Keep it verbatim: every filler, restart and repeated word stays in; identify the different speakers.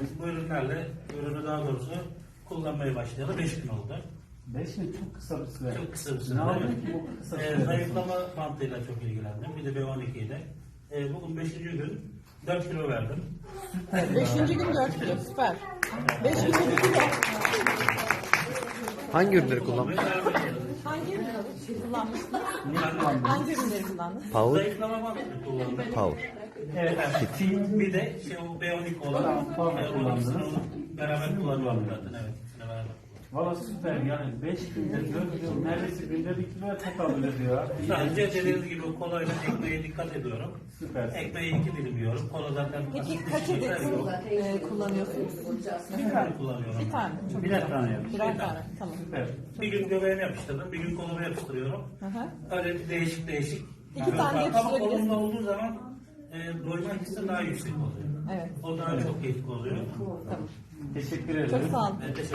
Speaker 1: bu ürünlerle, ürünü daha doğrusu kullanmaya başlayalı beş gün oldu.
Speaker 2: beş yıl çok kısa bir süre.
Speaker 1: Çok kısa bir süre.
Speaker 2: Ne oldu
Speaker 1: Evet.
Speaker 2: ki bu kısa
Speaker 1: Ee,
Speaker 2: sürede?
Speaker 1: zayıflama bantıyla çok ilgilendim. Bir de B on iki ile. Ee, bugün beşinci gün dört kilo verdim.
Speaker 3: Beşinci gün dört kilo, süper. Beş günde bir kilo.
Speaker 4: Hangi ürünleri kullanmış?
Speaker 3: Hangi ürünleri kullanmışsınız?
Speaker 2: Ne kullandın?
Speaker 3: Hangi ürünleri kullandınız?
Speaker 4: Power,
Speaker 1: Zayıflama bantını kullandım.
Speaker 4: power.
Speaker 2: Evet.
Speaker 1: Evet. Bir de şey, o B on iki olan
Speaker 2: Tamam,
Speaker 1: e,
Speaker 2: kullandınız.
Speaker 1: onu beraber kullanıyorum zaten. Evet, ikisini beraber.
Speaker 2: Valla süper yani beş günde dört kilo neredeyse günde bir kiloya tekabül ediyor.
Speaker 1: Sadece dediğiniz gibi kolayla ekmeğe dikkat ediyorum.
Speaker 2: Süper.
Speaker 1: Ekmeği iki dilim yiyorum. Kola zaten
Speaker 3: Peki
Speaker 1: basit bir
Speaker 3: kaç
Speaker 1: şey
Speaker 3: adet
Speaker 1: yok.
Speaker 3: e, kullanıyorsunuz?
Speaker 1: Bir tane kullanıyorum.
Speaker 3: Bir tane. Çok
Speaker 2: Birer
Speaker 3: güzel.
Speaker 2: tane yapmış.
Speaker 3: Birer tane, tamam.
Speaker 2: Süper.
Speaker 1: Bir gün göbeğime yapıştırdım, bir gün koluma yapıştırıyorum.
Speaker 3: Hı hı.
Speaker 1: Öyle bir değişik değişik.
Speaker 3: İki tane
Speaker 1: Ama
Speaker 3: yapıştırabilirsiniz.
Speaker 1: kolumda olduğu zaman e, doyma hissi daha yüksek oluyor.
Speaker 3: Evet.
Speaker 1: O daha çok keyifli oluyor.
Speaker 3: Tamam.
Speaker 2: Teşekkür ederim.
Speaker 3: Çok sağ olun.
Speaker 1: Ben teşekkür